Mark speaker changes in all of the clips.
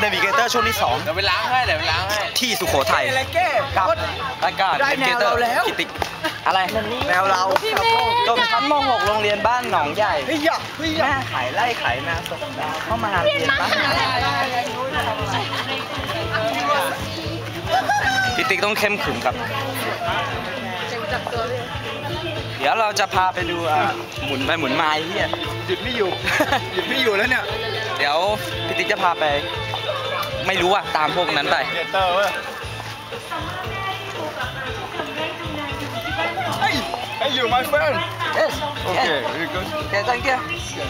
Speaker 1: เนวิเกเตอร์ช่วงที่2
Speaker 2: เดี๋ยวไปล้างให้
Speaker 1: ที่สุโขทัยกับรายการเนวิเกเตอร์กิติอะไรแนวเราจบชั้นม.6 โรงเรียนบ้านหนองใหญ่แม่ขายไร่ขายนาสดเข้ามาเรียนบ้านพี่ติ๊กต้องเข้มขึงครับเดี๋ยวเราจะพาไปดูหมุนไปหมุนมาไอ้เหี้ยหยุดไม่อยู่แล้วเนี่ยเดี๋ยวพี่ติ๊กจะพาไปไม่รู้ตามพวกนั้นไป
Speaker 3: Hey you my friend
Speaker 1: Yes
Speaker 3: Okay very good
Speaker 1: Okay thank you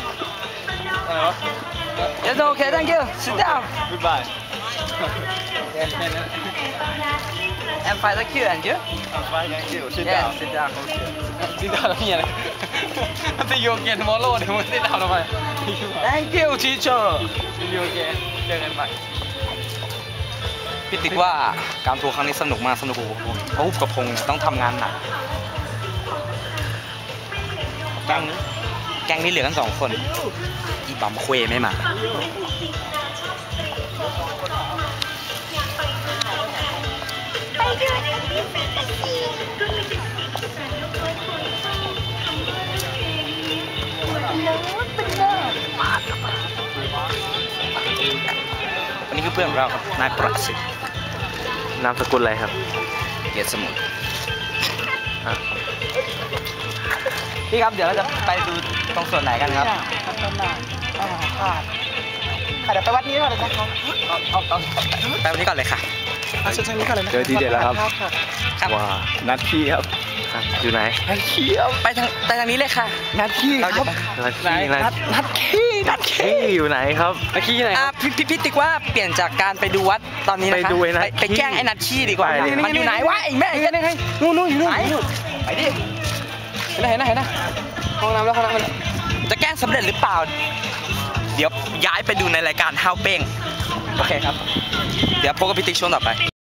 Speaker 1: Yes okay thank you sit down
Speaker 3: Goodbye
Speaker 1: I'm fine thank you and you
Speaker 3: I'm fine thank you sit
Speaker 1: Yes
Speaker 3: down
Speaker 1: sit down
Speaker 2: sit down แล้วเนี่ยมันจะโยกเย็นมอลโล่เดี๋ยวมัน sit down ทำไม
Speaker 1: Thank you teacher
Speaker 2: โยกเย็นเจอกันใหม่
Speaker 1: พี่ติ๊กว่าการทัวร์ครั้งนี้สนุกมากสนุกกว่าผมเพราะกับพงษ์ต้องทำงานหนักแก๊งนี้เหลือกัน2 คนอีบัมเควไม่มาวันนี้คือเพื่อนของเราครับนายประสิทธิ์
Speaker 2: นามสกุลอะไรครับ
Speaker 1: เกียรติสมุทรพี่ครับเดี๋ยวเราจะไปดูตรงส่วนไหนกันครับเดี๋ยวไปวัดนี้ก่อนเลยนะครับไปวัดนี้ก่อนเลยค่ะเชิญนี้ก่อนเลยนะ
Speaker 2: เจอทีเด็ดแล้วครับว้านัดขี้ครับอยู่ไหน
Speaker 1: นัดขี้ไปทางนี้เลยค่ะ
Speaker 2: นัดขี้ครับนัดขี้อยู่ไหนครับนัดขี้ไหน
Speaker 1: พี่ติ๊กว่าเปลี่ยนจากการไปดูวัดตอนนี้นะคะไปแกล้งไอ้นัดขี้ดีกว่ามันอยู่ไหนวะไอ้แม่นู่นอยู่นู่นไปดิเห็นนะห้องน้ำแล้วจะแกล้งสำเร็จหรือเปล่าเดี๋ยวย้ายไปดูในรายการห้าวเป้งโอเคครับเดี๋ยวพบกับพี่ติ๊กช่วงต่อไป